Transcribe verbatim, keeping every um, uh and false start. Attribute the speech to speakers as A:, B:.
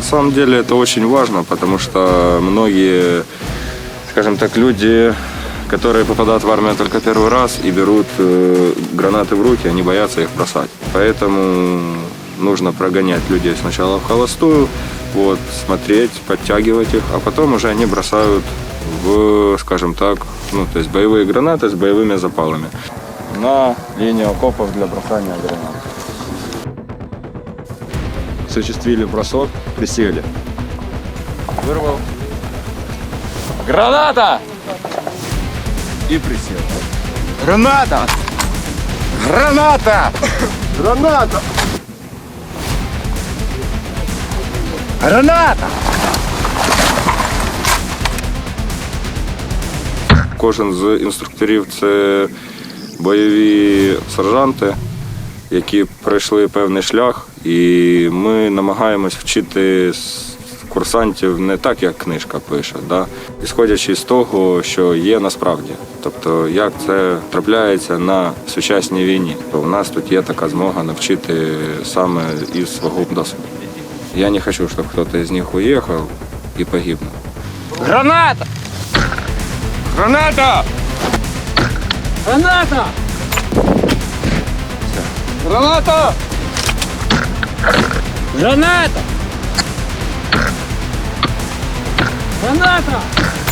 A: самом деле это очень важно, потому что многие, скажем так, люди, которые попадают в армию только первый раз и берут э, гранаты в руки, они боятся их бросать. Поэтому нужно прогонять людей сначала в холостую, вот, смотреть, подтягивать их, а потом уже они бросают в, скажем так, ну, то есть боевые гранаты с боевыми запалами на линию окопов для бросания гранат. Осуществили бросок, присели. Вырвал. Граната! И присел.
B: Граната! Граната! Граната! Граната!
A: Кожен з інструкторів – це бойові сержанти, які пройшли певний шлях, і ми намагаємось вчити курсантів не так, як книжка пише, да? Ісходячи з того, що є насправді. Тобто, як це трапляється на сучасній війні. У нас тут є така змога навчити саме із свого досвіду. Я не хочу, щоб хтось з них уїхав і погибнув.
B: Граната! Граната! Граната! Граната! Граната! Граната!